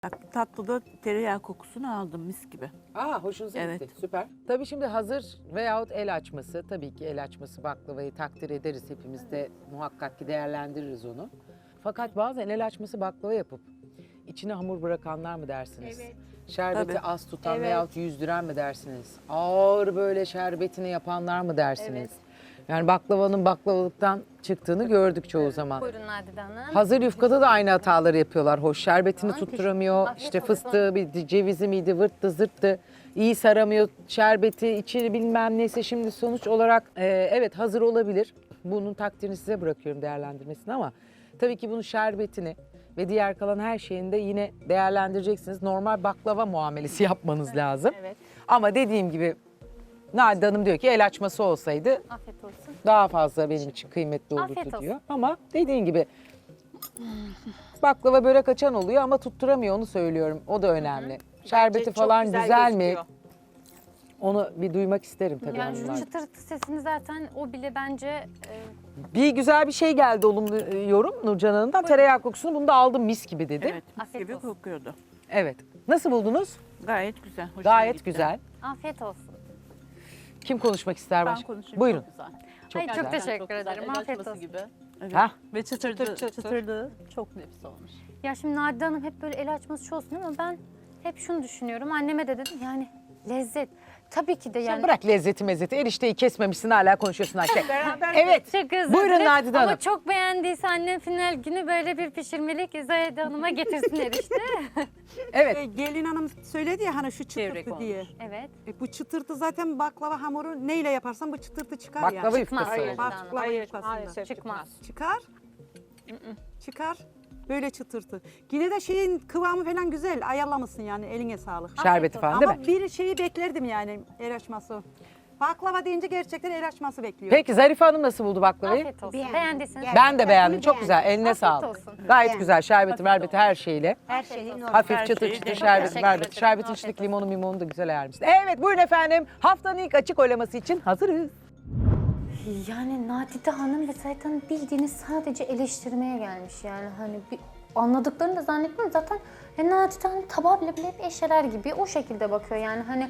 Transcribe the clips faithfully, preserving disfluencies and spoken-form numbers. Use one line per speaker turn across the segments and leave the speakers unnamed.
Bak, tatlıda tereyağı kokusunu aldım mis gibi.
Aa, hoşunuza
Evet.
gitti. Süper. Tabii şimdi hazır veyahut el açması, tabii ki el açması baklavayı takdir ederiz. Hepimiz de muhakkak ki değerlendiririz onu. Fakat bazen el açması baklava yapıp içine hamur bırakanlar mı dersiniz?
Evet.
Şerbeti
Tabii.
az tutan
Evet.
veyahut yüzdüren mi dersiniz? Ağır böyle şerbetini yapanlar mı dersiniz?
Evet.
Yani baklavanın baklavalıktan çıktığını gördük çoğu zaman.
Buyurun Nadide Hanım.
Hazır yufkada da aynı hataları yapıyorlar. Hoş şerbetini
Aman,
tutturamıyor.
teşekkür-
İşte
Afiyet olsun.
fıstığı, bir cevizi miydi, vırttı, zırttı. İyi saramıyor şerbeti, içi bilmem neyse. Şimdi sonuç olarak e, evet hazır olabilir. Bunun takdirini size bırakıyorum değerlendirmesini ama tabii ki bunun şerbetini ve diğer kalan her şeyini de yine değerlendireceksiniz. Normal baklava muamelesi yapmanız lazım.
Evet.
Ama dediğim gibi Nadide Hanım diyor ki el açması olsaydı
Afiyet olsun.
daha fazla benim için kıymetli olurdu
Afiyet olsun.
diyor. Ama dediğin gibi baklava börek açan oluyor ama tutturamıyor, onu söylüyorum. O da önemli. Şerbeti
çok
falan
güzel
güzel, mi?
gözüküyor.
Onu bir duymak isterim tabii
Yani şu
hanımlar.
çıtırtı sesini zaten o bile bence e,
Bir güzel bir şey geldi olumlu e, yorum Nurcan Hanım'dan. Tereyağı kokusunu bunu da aldım mis gibi dedi.
Evet, mis
Afiyet
gibi
olsun.
kokuyordu.
Evet. Nasıl buldunuz?
Gayet güzel. hoşuma
Gayet
gitti.
güzel.
afiyet olsun.
Kim konuşmak ister
Ben
başka?
konuşayım.
Buyurun.
Çok güzel.
Çok
Ay, çok
güzel.
teşekkür
Çok güzel.
ederim.
El
Afiyet
açması
olsun.
gibi.
Evet.
Hah,
Ve çıtırdı,
Çıtır çıtır.
çıtırdı. Çok nefis olmuş.
Ya şimdi Nadide Hanım hep böyle el açması olsun ama ben hep şunu düşünüyorum. Anneme de dedim yani lezzet. Tabii ki de
sen
yani.
bırak lezzeti mezzeti. Erişteyi kesmemişsin hala konuşuyorsun Ayşe.
Beraber
Evet.
Çok özür
Buyurun
dilerim.
Nadide Hanım.
Ama çok beğendiyse annem final günü böyle bir pişirmelik Zahide Hanım'a getirsin erişte.
Evet.
E, gelin hanım söyledi ya hani şu
Çevrek
çıtırtı
olmuş.
diye.
Evet.
E, bu çıtırtı zaten baklava hamuru neyle yaparsan bu çıtırtı çıkar
Baklava
ya.
yufkası.
Hayır.
oldu.
Baklava
Hayır,
yufkasından.
maalesef
Çıkmaz.
Çıkar. Çıkar. Böyle çıtırtı. Yine de şeyin kıvamı falan güzel. Ayarlamışsın yani eline sağlık.
Şerbeti
olsun.
falan değil
Ama
mi?
bir şeyi beklerdim yani el açması. Baklava deyince gerçekten el açması bekliyor.
Peki Zarife Hanım nasıl buldu baklavayı?
Afiyet olsun.
Beğendim.
Beğendiyseniz.
Ben de beğendim.
Bunu
Çok güzel. Eline
Afiyet
sağlık.
olsun.
Gayet
Beğendim.
güzel. Şerbeti, verbeti her şeyle.
Her şeyin normal.
Hafif
Her
çıtır
şeyi
çıtır
de-
şerbeti,
Teşekkür
verbeti.
ederim.
Şerbetin
Afiyet
içindeki
olsun.
limonu mimonu da güzel ayarmışsın. Evet buyurun efendim. Haftanın ilk açık oylaması için hazırız.
Yani Nadide Hanım ve Zahide Hanım bildiğiniz sadece eleştirmeye gelmiş. Yani hani bir anladıklarını da zannetmiyorum. Zaten e, Nadide Hanım tabağı bile bile hep eşeler gibi o şekilde bakıyor. Yani hani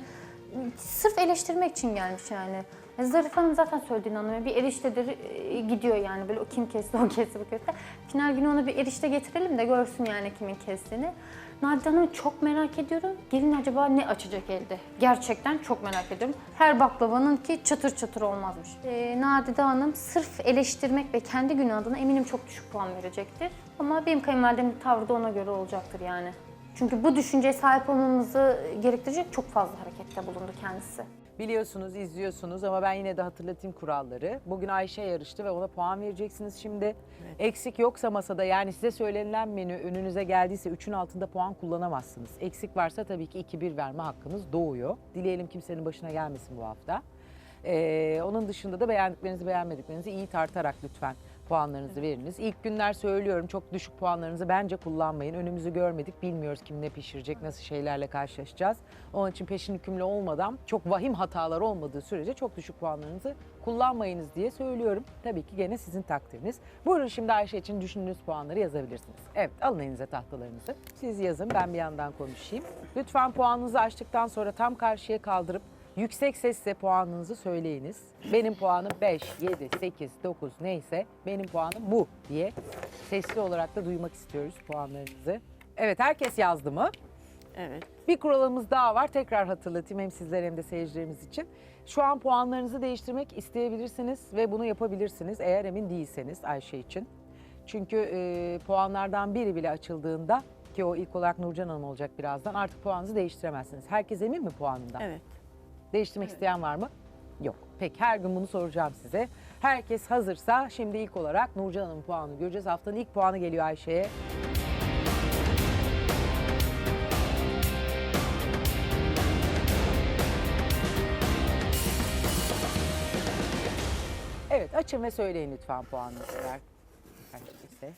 sırf eleştirmek için gelmiş yani. E, Zarife Hanım zaten söylediğini anlamıyor. Bir eriştedir e, gidiyor yani böyle o kim kesti o kesti bu kesti. Final günü ona bir erişte getirelim de görsün yani kimin kestiğini. Nadide Hanım'ı çok merak ediyorum. Gelin acaba ne açacak elde? Gerçekten çok merak ediyorum. Her baklavanın ki çıtır çıtır olmazmış. Ee, Nadide Hanım sırf eleştirmek ve kendi günü adına eminim çok düşük puan verecektir. Ama benim kayınvalidemin tavrı da ona göre olacaktır yani. Çünkü bu düşünceye sahip olmamızı gerektirecek çok fazla harekette bulundu kendisi.
Biliyorsunuz, izliyorsunuz ama ben yine de hatırlatayım kuralları. Bugün Ayşe yarıştı ve ona puan vereceksiniz şimdi. Eksik yoksa masada yani size söylenilen menü önünüze geldiyse üçün altında puan kullanamazsınız. Eksik varsa tabii ki iki bir verme hakkınız doğuyor. Dileyelim kimsenin başına gelmesin bu hafta. Ee, onun dışında da beğendiklerinizi beğenmediklerinizi iyi tartarak lütfen puanlarınızı veriniz. İlk günler söylüyorum çok düşük puanlarınızı bence kullanmayın. Önümüzü görmedik, bilmiyoruz kim ne pişirecek, nasıl şeylerle karşılaşacağız. Onun için peşin hükümlü olmadan çok vahim hatalar olmadığı sürece çok düşük puanlarınızı kullanmayınız diye söylüyorum. Tabii ki gene sizin takdiriniz. Buyurun şimdi Ayşe için düşündüğünüz puanları yazabilirsiniz. Evet alın elinize tahtalarınızı. Siz yazın ben bir yandan konuşayım. Lütfen puanınızı açtıktan sonra tam karşıya kaldırıp yüksek sesle puanınızı söyleyiniz. Benim puanım beş, yedi, sekiz, dokuz neyse benim puanım bu diye sesli olarak da duymak istiyoruz puanlarınızı. Evet herkes yazdı mı?
Evet.
Bir kuralımız daha var. Tekrar hatırlatayım hem sizler hem de seyircilerimiz için. Şu an puanlarınızı değiştirmek isteyebilirsiniz ve bunu yapabilirsiniz eğer emin değilseniz Ayşe için. Çünkü e, puanlardan biri bile açıldığında ki o ilk olarak Nurcan Hanım olacak birazdan artık puanınızı değiştiremezsiniz. Herkes emin mi puanından?
Evet.
Değiştirmek isteyen var mı? Yok. Peki her gün bunu soracağım size. Herkes hazırsa şimdi ilk olarak Nurcan Hanım'ın puanını göreceğiz. Haftanın ilk puanı geliyor Ayşe'ye. Evet açın ve söyleyin lütfen puanınızı. Eğer kaçtıysa.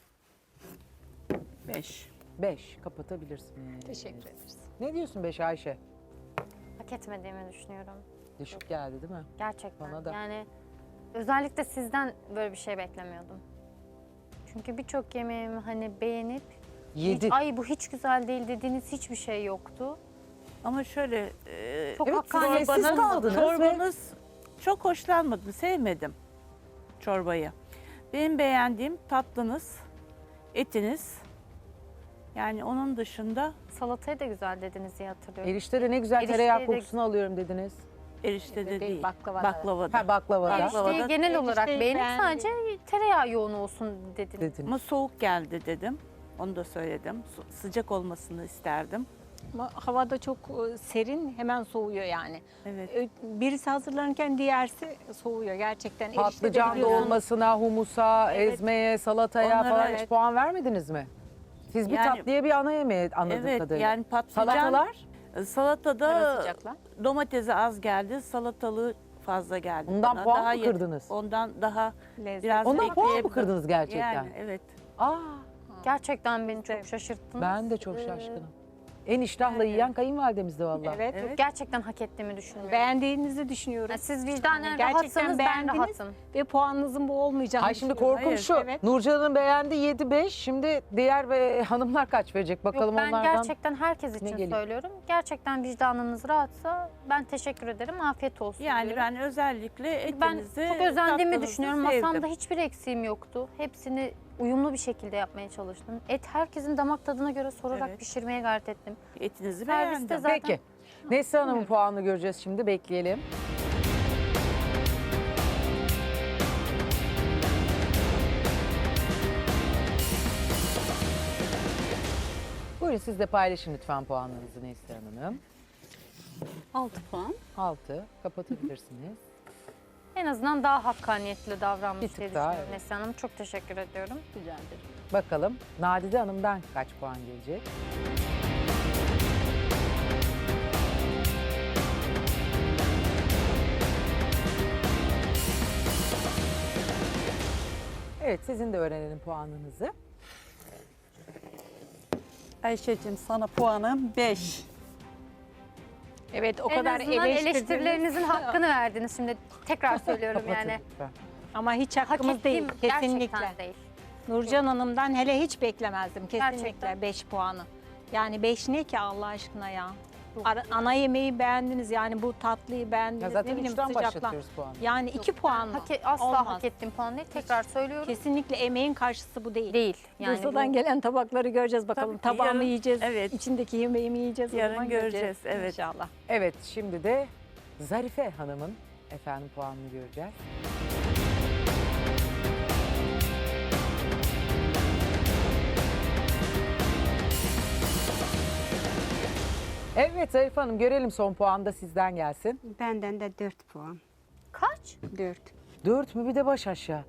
Beş.
Beş. Kapatabilirsiniz.
Teşekkür ederiz.
Ne diyorsun beş Ayşe?
Hak etmediğimi düşünüyorum.
Düşük geldi değil mi?
Gerçekten.
Bana da.
Yani özellikle sizden böyle bir şey beklemiyordum. Çünkü birçok yemeğimi hani beğenip
Yedi.
Hiç, ay bu hiç güzel değil dediğiniz hiçbir şey yoktu.
Ama şöyle e,
Çok
Evet,
hakkaniyet.
siz
çorbanız,
kaldınız ve-
çorbanız çok hoşlanmadım, sevmedim çorbayı. Benim beğendiğim tatlınız, etiniz. Yani onun dışında
Salatayı da güzel dediniz diye hatırlıyorum.
Erişte de ne güzel
Erişteyi
tereyağı
de-
kokusunu alıyorum dediniz.
eriştede
Değil,
değil,
baklavada.
baklavada.
Ha baklavada
Baklavada
Erişteyi genel olarak
erişteyi
beğenip
beğendim.
sadece tereyağı yoğun olsun dediniz.
dedin.
Ama soğuk geldi dedim. Onu da söyledim. Su- Sıcak olmasını isterdim.
Ama havada çok e, serin, hemen soğuyor yani.
Evet.
Ö- Birisi hazırlanırken diğersi soğuyor gerçekten. Erişte de
Patlıcan
biliyorsun,
dolmasına, humusa,
Evet.
ezmeye, salataya
Onlara
falan hiç
evet.
puan vermediniz mi? Siz bir
Yani-
tatlıya bir ana yemeğe anladığım
Evet,
kadarıyla.
yani patlıcan,
Salatalar?
ara
salatada
sıcaklar.
domatesi az geldi, salatalığı fazla geldi.
Ondan
bana.
puan
Daha
mı
ye-
kırdınız?
Ondan daha
Lezzet.
biraz
Ondan puan mı
bekleyebilirim.
kırdınız gerçekten?
Yani evet.
Aa,
Gerçekten beni çok şaşırttınız.
ben de çok
Ee,
şaşkınım. En iştahla yiyen kayınvalidemizdi vallahi.
Evet.
Evet.
Gerçekten hak ettiğimi düşünüyorum.
Beğendiğinizi düşünüyorum.
Yani siz vicdanen
Yani gerçekten
rahatsanız ben
beğendiniz.
rahatım.
Ve puanınızın bu olmayacağını
Ay şimdi
düşünüyorum.
korkum
Hayır,
şu.
evet.
Nurcan'ın beğendi yedi beş. Şimdi diğer ve hanımlar kaç verecek bakalım
Yok, ben
onlardan.
gerçekten herkes için
geliyor?
söylüyorum. Gerçekten vicdanınız rahatsa ben teşekkür ederim. Afiyet olsun
Yani
diyorum.
ben özellikle
Ben
etinizi,
çok özendiğimi
tatlınızı
düşünüyorum.
sevdim.
Masamda hiçbir eksiğim yoktu. Hepsini uyumlu bir şekilde yapmaya çalıştım. Et herkesin damak tadına göre sorarak
Evet.
pişirmeye gayret ettim.
Etinizi
Serviste
beğendim.
zaten-
Peki. Neslihan Hanım'ın puanını göreceğiz şimdi. Bekleyelim. Buyurun siz de paylaşın lütfen puanlarınızı Neslihan Hanım.
altı puan.
altı. Kapatabilirsiniz.
En azından daha hakkaniyetli davranmış
Bir tık
diye
daha,
düşünüyorum
evet.
Neslihan Hanım. Çok teşekkür ediyorum.
Rica ederim.
Bakalım Nadide Hanım'dan kaç puan gelecek? Evet sizin de öğrenelim puanınızı.
Ayşe'cim sana puanım beş.
Evet o
en
kadar
azından
eleştirdiniz.
eleştirilerinizin hakkını verdiniz. Şimdi tekrar söylüyorum
Kapatın
yani.
lütfen.
Ama hiç
Hak
hakkımız değil
ettiğim
kesinlikle.
gerçekten değil.
Nurcan Hanım'dan hele hiç beklemezdim kesinlikle
Gerçekten.
beş puanı. Yani beş ne ki Allah aşkına ya? Ara- ana yemeği beğendiniz yani bu tatlıyı beğendiniz.
Ya
ne
zaten
bileyim
üçten
sıcakla.
başlatıyoruz puanı.
Yani iki puan mı?
Hak e- asla
Olmaz.
hak ettiğim puan değil. Tekrar söylüyorum.
Kesinlikle emeğin karşısı bu değil.
Değil. Yani
Bursa'dan
bu-
gelen tabakları göreceğiz bakalım.
Tabii ki
Tabağı mı
yarın-
yiyeceğiz,
evet.
içindeki yemeği mi yiyeceğiz o
Yarın
zaman
göreceğiz, evet.
İnşallah.
Evet şimdi de Zarife Hanım'ın efendim puanını göreceğiz. Evet Zarife Hanım görelim son puan da sizden gelsin.
Benden de dört puan.
Kaç?
Dört.
Dört mü bir de baş aşağı.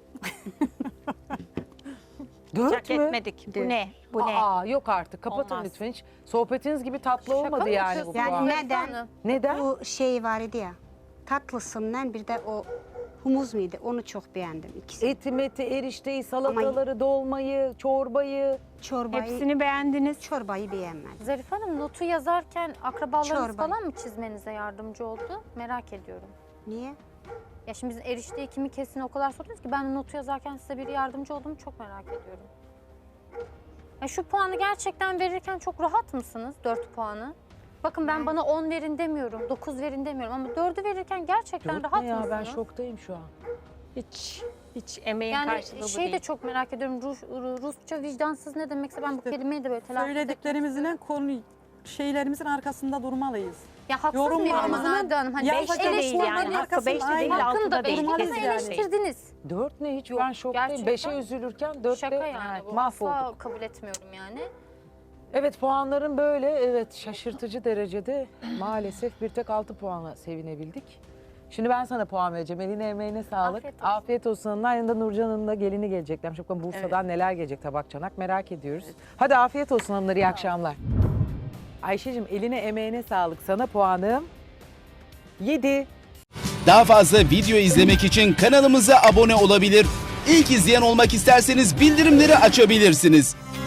Dört
Hak
mü?
etmedik. Bu
Dört.
ne? Bu ne?
Aa yok artık kapatın
Olmaz.
lütfen hiç. Sohbetiniz gibi tatlı
Şaka
olmadı
mı
yani bu
yapıyorsun?
puan.
Yani neden?
Hanım.
Neden?
Bu şey var idi ya. Tatlısından bir de o humus muydu? Onu çok beğendim ikisi.
Eti, meti, erişteyi, salataları, dolmayı, çorbayı.
Çorbayı,
Hepsini beğendiniz.
çorbayı beğenmedim.
Zarife Hanım notu yazarken akrabalarınız
Çorba.
falan mı çizmenize yardımcı oldu? Merak ediyorum.
Niye?
Ya şimdi bizim erişteyi kimi kesin o kadar sordunuz ki ben notu yazarken size biri yardımcı oldu mu çok merak ediyorum. Ya şu puanı gerçekten verirken çok rahat mısınız? dört puanı. Bakın ben bana on verin demiyorum, dokuz verin demiyorum ama dördü verirken gerçekten
Dört
rahat
ne ya
mısınız?
ben şoktayım şu an.
Hiç hiç emeğin
Yani
karşılığı bu
şey
değil.
de çok merak ediyorum. Rus, Rusça vicdansız ne demekse ben bu kelimeyi de böyle telaffuz etmek
Söylediklerimizin konu şeylerimizin arkasında durmalıyız.
Ya haksız mıyım ama
Yorumlarımızın
Nade Hanım? Hani
Ya
beş
beş de değil
eleştirdiniz.
yani.
Hakkı beş de
Aynen.
değil,
Hakkını
altı
da
da değil.
beşte de
Durmalıyız yani.
eleştirdiniz.
Dört ne hiç
Yok,
ben şoktayım.
gerçekten.
Beşe üzülürken dörtte
Şaka yani
evet,
bu.
mahvolduk.
Asla kabul etmiyorum yani.
Evet puanların böyle evet şaşırtıcı derecede maalesef bir tek altı puanla sevinebildik. Şimdi ben sana puan vereceğim. Eline emeğine sağlık.
Afiyet olsun.
Afiyet olsun. Hanımlar. Yanında Nurcan Hanım da gelini geleceklermiş. Bakalım Bursa'dan neler gelecek tabak çanak merak ediyoruz. Hadi afiyet olsun hanımlar iyi akşamlar. Ayşe'cim eline emeğine sağlık. Sana puanım yedi.
Daha fazla video izlemek için kanalımıza abone olabilir. İlk izleyen olmak isterseniz bildirimleri açabilirsiniz.